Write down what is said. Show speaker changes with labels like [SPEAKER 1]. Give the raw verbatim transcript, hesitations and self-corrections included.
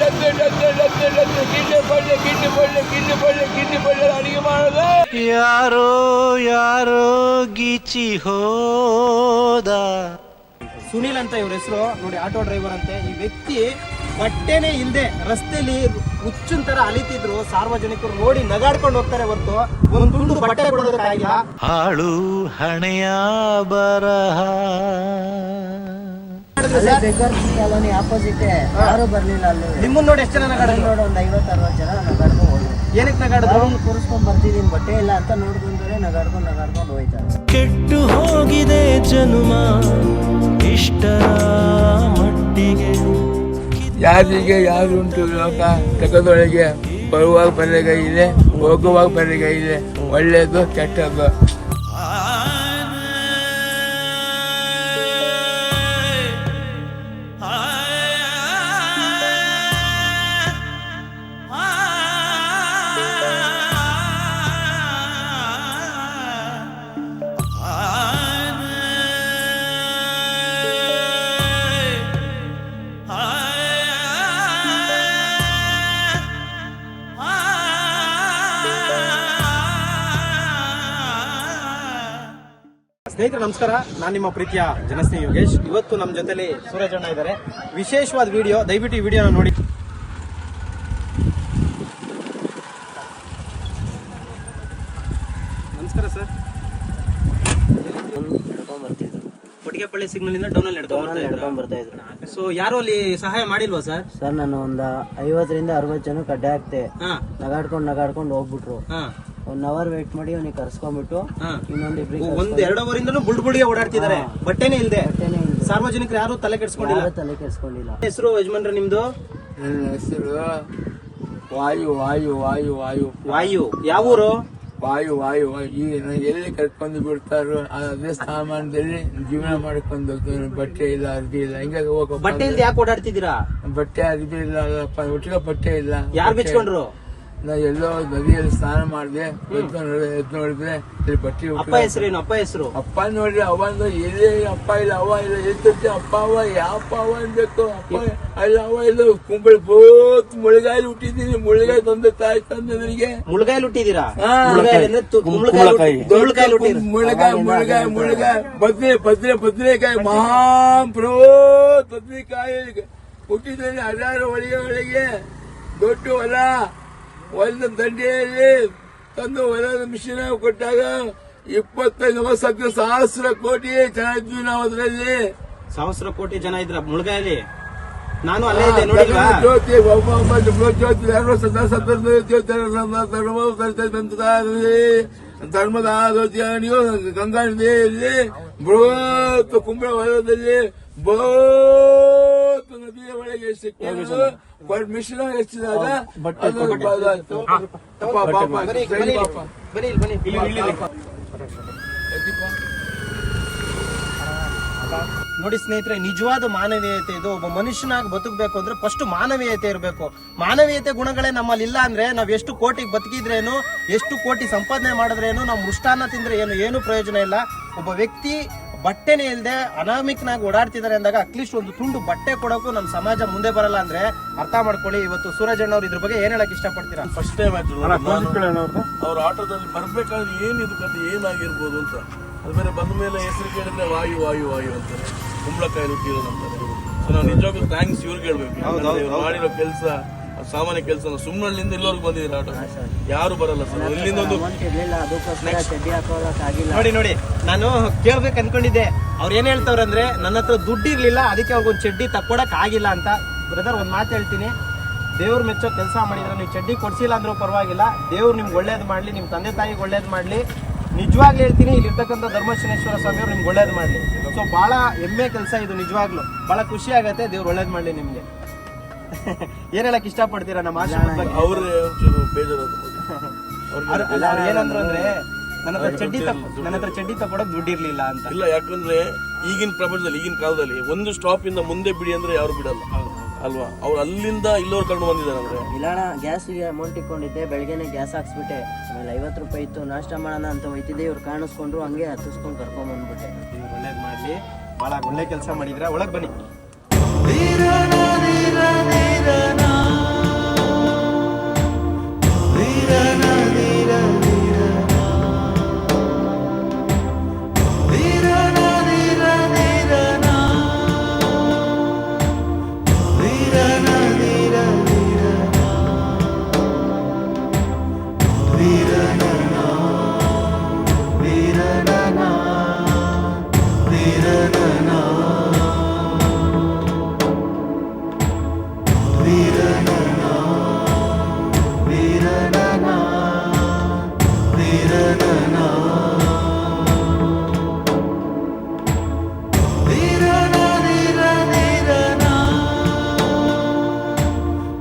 [SPEAKER 1] ಗಿಡ್ಡೆ ಪಲ್ಯ ಗಿಡ್ಡೆ ಪಲ್ಯ ಗಿಡ್ಡೆ ಪಲ್ಯ ಗಿಡ್ಡೆ ಪಲ್ಯ ಅಡಿಗೆ ಮಾಡೋದು.
[SPEAKER 2] ಯಾರೋ ಯಾರೋ ಗೀಚಿ ಹೋದ.
[SPEAKER 3] ಸುನೀಲ್ ಅಂತ ಇವ್ರ ಹೆಸರು ನೋಡಿ, ಆಟೋ ಡ್ರೈವರ್ ಅಂತೆ. ಈ ವ್ಯಕ್ತಿ ಬಟ್ಟೆನೇ ಇಲ್ಲದೆ ರಸ್ತೆಯಲ್ಲಿ ಹುಚ್ಚಿನ ತರ ಅಲಿತಿದ್ರು. ಸಾರ್ವಜನಿಕರು ನೋಡಿ ನಗಾಡ್ಕೊಂಡು ಹೋಗ್ತಾರೆ ಹೊರತು ಒಂದು ತುಂಡು ಬಟ್ಟೆ ಕೊಡೋದಕ್ಕಾಗಿಲ್ಲ.
[SPEAKER 2] ಹಾಳು ಹಣೆಯ ಬರಹ.
[SPEAKER 4] ಕಾಲೋನಿ ಆಪೋಸಿಟ್ ಯಾರು ಬರ್ಲಿಲ್ಲ. ಅಲ್ಲಿ
[SPEAKER 3] ನಿಮ್ಮನ್ನ ನೋಡಿ ಎಷ್ಟು ಜನ ನಗಾಡಿದ್ರು?
[SPEAKER 4] ನೋಡಿ ಒಂದ್ ಐವತ್ ಅರವತ್ ಜನ ನಗಾಡ್ಕೊಂಡು ಹೋದ್ರು.
[SPEAKER 3] ಏನಕ್ಕೆ ನಗಾಡಿದ್ರು?
[SPEAKER 4] ಕೂರಿಸ್ಕೊಂಡ್ ಬರ್ತಿದೀನಿ ಬಟ್ಟೆ ಇಲ್ಲ ಅಂತ ನೋಡ್ಕೊಂಡ್ರೆ ನಗಾಡ್ಕೊಂಡು ನಗಾಡ್ಕೊಂಡು ಹೋಯ್ತಾರೆ.
[SPEAKER 2] ಕೆಟ್ಟು ಹೋಗಿದೆ ಜನುಮ ಇಷ್ಟರ ಮಟ್ಟಿಗೆ.
[SPEAKER 1] ಯಾರಿಗೆ ಯಾರು ಉಂಟು ಲೋಕ ತೆಗೆದೊಳಗೆ, ಬರುವಾಗ ಬರೆಗೈ ಇದೆ, ಹೋಗುವಾಗ ಬರೆಗೈ ಇದೆ, ಒಳ್ಳೆಯದು ಕೆಟ್ಟದ್ದು.
[SPEAKER 3] ಸ್ನೇಹಿತರೆ ನಮಸ್ಕಾರ, ನಾನು ನಿಮ್ಮ ಪ್ರೀತಿಯ ಜನಸ್ನೇಹಿ ಯೋಗೇಶ್. ಇವತ್ತು ನಮ್ಮ ಜೊತೆಲಿ ಸೂರಜ್ ಅಣ್ಣ ಇದ್ದಾರೆ. ವಿಶೇಷವಾದ ವಿಡಿಯೋ, ದಯವಿಟ್ಟು ಈ ವಿಡಿಯೋನ ನೋಡಿ. ನಮಸ್ಕಾರ ಸರ್. ಕೊಟ್ಟಿಗೆಪಳ್ಳಿ ಸಿಗ್ನಲ್ ಇಂದ ಡೌನ್ ಅಲ್ಲಿ
[SPEAKER 4] ನಡ್ಕೊಂಡ್ ಬರ್ತಾ ಇದ್ರು.
[SPEAKER 3] ಸೊ ಯಾರು ಅಲ್ಲಿ ಸಹಾಯ ಮಾಡಿಲ್ವಾ ಸರ್?
[SPEAKER 4] ಸರ್ ನಾನು ಒಂದ್ ಐವತ್ತರಿಂದ ಅರವತ್ ಜನ ಕಡ್ಡೆ ಹಾಕ್ತೆ. ನಗಾಡ್ಕೊಂಡ್ ನಗಾಡ್ಕೊಂಡ್ ಹೋಗ್ಬಿಟ್ರು. ಒನ್ ಅವರ್ ವೇಟ್ ಮಾಡಿ ಅವ್ನಿಗೆ ಕರ್ಸ್ಕೊಂಡ್ಬಿಟ್ಟು ಇನ್ನೊಂದ್ ಇಬ್ರಿಗೆ
[SPEAKER 3] ಒಂದ್ ಎರಡು ಅವರಿಂದನೂ ಬುಡ್ ಬುಡಿಗೆ ಓಡಾಡ್ತಿದ್ದಾರೆ. ಬಟ್ಟೆನೇ ಇಲ್ದೆ. ಸಾರ್ವಜನಿಕರು ಯಾರು ತಲೆ ಕೆಡ್ಸ್ಕೊಂಡಿಲ್ಲ.
[SPEAKER 4] ತಲೆ ಕೆಡ್ಸ್ಕೊಂಡಿಲ್ಲ.
[SPEAKER 3] ಹೆಸರು ಯಜಮಾನ್ರ ನಿಮ್ದು?
[SPEAKER 1] ನನ್ನ ಹೆಸರು ವಾಯು ವಾಯು ವಾಯು ವಾಯು
[SPEAKER 3] ವಾಯು. ಯಾವ ಊರು?
[SPEAKER 1] ವಾಯು ವಾಯು ವಾಯು. ಈಗ ಎಲ್ಲಿ ಕರ್ಕೊಂಡು ಬಿಡ್ತಾರೋ ಅದೇ ಸಾಮಾನದಲ್ಲಿ ಜೀವನ ಮಾಡ್ಕೊಂಡು ಹೋಗ್ತಾರೆ. ಬಟ್ಟೆ ಇಲ್ಲ, ಅರ್ಬಿ ಇಲ್ಲ, ಹಿಂಗ ಹೋಗ.
[SPEAKER 3] ಬಟ್ಟೆ ಇಲ್ದೆ ಯಾಕೆ ಓಡಾಡ್ತಿದ್ದೀರಾ?
[SPEAKER 1] ಬಟ್ಟೆ ಅರ್ಬಿ ಇಲ್ಲ, ಒಟ್ಟಿಗೆ ಬಟ್ಟೆ ಇಲ್ಲ.
[SPEAKER 3] ಯಾರು ಬಿಚ್ಕೊಂಡ್ರು?
[SPEAKER 1] ನಾ ಎಲ್ಲೋ ನದಿಯಲ್ಲಿ ಸ್ನಾನ ಮಾಡಿದೆ, ಎದ್ದು ನೋಡಿದ್ರೆ ಇಲ್ಲಿ ಬಟ್ಟೆ.
[SPEAKER 3] ಅಪ್ಪ ಹೆಸರೇನು? ಅಪ್ಪ ಹೆಸರು?
[SPEAKER 1] ಅಪ್ಪ ನೋಡ್ರಿ, ಅವ ಎಲ್ಲಿ ಅಪ್ಪ ಇಲ್ಲ, ಅವ ಇಲ್ಲ, ಎದ್ದಿರ್ತಿ ಅಪ್ಪ ಅವ ಯಾವಪ್ಪ ಅವ ಅನ್ಬೇಕು. ಅಪ್ಪ ಇಲ್ಲ, ಅವ ಇಲ್ಲ. ಕುಂಬಳಿ ಬೋತ್ ಮುಳುಗಾಯಲ್ಲಿ ಹುಟ್ಟಿದ್ದೀನಿ. ಮುಳುಗಾಯಿ ತಂದೆ ತಾಯಿ ತಂದೆ ನನಗೆ.
[SPEAKER 3] ಮುಳುಗಾಯಿ ಹುಟ್ಟಿದೀರಾ?
[SPEAKER 1] ಮುಳುಗಾಯಿ ಮುಳುಗಾಯಿ ಮುಳುಗಾಯಿ ಮುಳುಗಾಯಿ ಬದ್ನೆ ಬದ್ನೆ ಬದ್ನೆಕಾಯಿ ಮಹಾ ಬೃಹತ್ ಬದ್ನೆಕಾಯಿ ಹುಟ್ಟಿದ್ದೇನೆ. ಹದಿನಾರು ಒಳಗೆ ಒಳಗೆ ದೊಡ್ಡ ಹೊಲ, ಹೊಲದ ದಂಡೆಯಲ್ಲಿ ತಂದು ಹೊಲದ ಮಿಷಿನ್ ಕೊಟ್ಟಾಗ ಇಪ್ಪತ್ತೈದು ವರ್ಷಕ್ಕೆ ಸಹಸ್ರ ಕೋಟಿ ಜನ ಇದ್ವಿ ನಾವು. ಅದರಲ್ಲಿ
[SPEAKER 3] ಸಹಸ್ರ ಕೋಟಿ ಜನ ಇದ್ರ ಮುಳುಗಾಯಲ್ಲಿ. ನಾನು ಅಲ್ಲೇ ಇದ್ದೆ ನೋಡಿಲ್ವಾ?
[SPEAKER 1] ಜ್ಯೋತಿ ಒಬ್ಬ ಒಬ್ಬ ಜ್ಯೋತಿ ಎರಡು ವರ್ಷ ಧರ್ಮದ ನೀವು ಗಂಗಾ ನದಿಯಲ್ಲಿ ಬೃಹತ್ ಕುಂಬಳ ಹೊಲದಲ್ಲಿ ಬೃಹತ್ ನದಿಯ ಒಳಗೆ ಸಿಕ್ಕಿದ್ರು. ಮಿಶ್ರ ಹೆಚ್ಚಿದಾಗ
[SPEAKER 3] ನೋಡಿ ಸ್ನೇಹಿತರೆ, ನಿಜವಾದ ಮಾನವೀಯತೆ ಇದು. ಒಬ್ಬ ಮನುಷ್ಯನಾಗಿ ಬದುಕಬೇಕು ಅಂದ್ರೆ ಫಸ್ಟ್ ಮಾನವೀಯತೆ ಇರಬೇಕು. ಮಾನವೀಯತೆ ಗುಣಗಳೇ ನಮ್ಮಲ್ಲಿ ಇಲ್ಲ ಅಂದ್ರೆ ನಾವ್ ಎಷ್ಟು ಕೋಟಿಗೆ ಬದುಕಿದ್ರೇನು, ಎಷ್ಟು ಕೋಟಿ ಸಂಪಾದನೆ ಮಾಡಿದ್ರೇನು, ನಾವು ಮೃಷ್ಟಾನ್ನ ತಿಂದ್ರೆ ಏನು ಏನು ಪ್ರಯೋಜನ ಇಲ್ಲ. ಒಬ್ಬ ವ್ಯಕ್ತಿ ಬಟ್ಟೆನೇ ಇಲ್ಲದೆ ಅನಾಮಿಕನಾಗಿ ಓಡಾಡ್ತಿದ್ದಾರೆ ಅಂದಾಗ ಅಟ್ಲೀಸ್ಟ್ ಒಂದು ತುಂಡು ಬಟ್ಟೆ ಕೊಡೋಕು ನಮ್ಮ ಸಮಾಜ ಮುಂದೆ ಬರಲ್ಲ ಅಂದ್ರೆ ಅರ್ಥ ಮಾಡ್ಕೊಳ್ಳಿ. ಇವತ್ತು ಸೂರಜ್ ಅಣ್ಣವ್ರು ಇದ್ರ ಬಗ್ಗೆ ಏನ್ ಹೇಳಕ್ ಇಷ್ಟಪಡ್ತೀರಾ?
[SPEAKER 5] ಫಸ್ಟ್ ಟೈಮ್ ಅವ್ರ ಆಟೋದಲ್ಲಿ ಬರ್ಬೇಕಾದ್ರೆ ಏನಿದು ಕತೆ ಏನಾಗಿರ್ಬೋದು ಅಂತ. ಅದು ಬೇರೆ ಬಂದ ಮೇಲೆ ಹೆಸರು ಕೇಳಿದ್ರೆ ವಾಯು ವಾಯು ವಾಯು ಅಂತಾರೆ, ಕುಂಬಳಕಾಯಿ ಹುಟ್ಟಿರೋದು ಅಂತಾರೆ. ಸೊ ನಾವು ನಿಜವಾಗ್ಲೂ ಥ್ಯಾಂಕ್ಸ್ ಇವ್ರಿಗೆ ಹೇಳ್ಬೇಕು. ಮಾಡಿರೋ ಕೆಲಸ ಸಾಮಾನ್ಯ ಕೆಲಸ. ಸುಮ್ಮನಳ್ಳಿಂದ ಎಲ್ಲರಿಗೂ ಬಂದಿದ್ದೀರಾ ಆಟೋ, ಯಾರು ಬರಲ್ಲ ಸರ್. ಇಲ್ಲಿಂದ ಒಂದು
[SPEAKER 3] ನೋಡಿ ನೋಡಿ ನಾನು ಕೇಳ್ಬೇಕು ಅನ್ಕೊಂಡಿದ್ದೆ. ಅವ್ರು ಏನ್ ಹೇಳ್ತಾವ್ರೆ ಅಂದ್ರೆ ನನ್ನ ಹತ್ರ ದುಡ್ಡು ಇರ್ಲಿಲ್ಲ, ಅದಕ್ಕೆ ಅವ್ರಿಗೊಂದು ಚಡ್ಡಿ ತಕ್ಕೊಡಕ್ ಆಗಿಲ್ಲ ಅಂತ. ಬ್ರದರ್ ಒಂದ್ ಮಾತು ಹೇಳ್ತೀನಿ, ದೇವ್ರು ಮೆಚ್ಚೋ ಕೆಲಸ ಮಾಡಿದ್ರೆ ನೀವು ಚಡ್ಡಿ ಕೊಡ್ಸಿಲ್ಲ ಅಂದ್ರೂ ಪರವಾಗಿಲ್ಲ. ದೇವ್ರು ನಿಮ್ಗೆ ಒಳ್ಳೇದು ಮಾಡ್ಲಿ, ನಿಮ್ ತಂದೆ ತಾಯಿಗೆ ಒಳ್ಳೇದು ಮಾಡ್ಲಿ. ನಿಜವಾಗ್ಲೂ ಹೇಳ್ತೀನಿ, ಇಲ್ಲಿ ಇರ್ತಕ್ಕಂಥ ಧರ್ಮಶನೇಶ್ವರ ಸ್ವಾಮಿ ಅವ್ರು ನಿಮ್ಗೆ ಒಳ್ಳೇದು ಮಾಡ್ಲಿ. ಸೊ ಬಹಳ ಹೆಮ್ಮೆ ಕೆಲಸ ಇದು. ನಿಜವಾಗ್ಲು ಬಹಳ ಖುಷಿ ಆಗತ್ತೆ. ದೇವ್ರು ಒಳ್ಳೇದು ಮಾಡ್ಲಿ ನಿಮ್ಗೆ. ಏನ್ ಹೇಳಕ್ ಇಷ್ಟಪಡ್ತೀರಾ ನಮ್ಮ ಆಶ್ರಮದ ಬಗ್ಗೆ?
[SPEAKER 5] ಅವ್ರೇ ಒಂಚೂರು ಬೇಜಾರು.
[SPEAKER 3] ಏನಂದ್ರು ಅಂದ್ರೆ ನನ್ನ ಹತ್ರ ಚಡ್ಡಿ ನನ್ನ ಹತ್ರ ಚಡ್ಡಿ ತಗೊಳಕ್ ದುಡ್ಡು ಇರ್ಲಿಲ್ಲ ಅಂತ.
[SPEAKER 5] ಇಲ್ಲ, ಯಾಕಂದ್ರೆ ಈಗಿನ ಪ್ರಪಂಚದಲ್ಲಿ ಈಗಿನ ಕಾಲದಲ್ಲಿ ಒಂದು ಸ್ಟಾಪ್ ಇಂದ ಮುಂದೆ ಬಿಡಿ ಅಂದ್ರೆ ಯಾರು ಬಿಡಲ್ಲ ಅಲ್ವಾ? ಅವ್ರು ಅಲ್ಲಿಂದ ಇಲ್ಲೋರ್ ಕರ್ಕೊಂಡು ಬಂದಿದ್ದಾರೆ ಅಂದ್ರೆ.
[SPEAKER 4] ಇಲ್ಲಣ್ಣ, ಗ್ಯಾಸ್ಗೆ ಅಮೌಂಟ್ ಇಟ್ಕೊಂಡಿದ್ದೆ, ಬೆಳಗ್ಗೆನೆ ಗ್ಯಾಸ್ ಹಾಕ್ಸ್ಬಿಟ್ಟೆ. ಆಮೇಲೆ ಐವತ್ತು ರೂಪಾಯಿ ಇತ್ತು, ನಾಷ್ಟ ಮಾಡೋಣ ಅಂತ ಹೋಯ್ತಿದ್ದೆ. ಇವ್ರು ಕಾಣಿಸ್ಕೊಂಡ್ರು, ಹಂಗೆ ಹತ್ತಿಸ್ಕೊಂಡು ಕರ್ಕೊಂಡ್ ಬಂದ್ಬಿಟ್ಟೆ.
[SPEAKER 3] ಒಳ್ಳೇದ್ ಮಾಡ್ಲಿ, ಬಹಳ ಒಳ್ಳೆ ಕೆಲಸ ಮಾಡಿದ್ರ. ಒಳಗ್ ಬನ್ನಿ.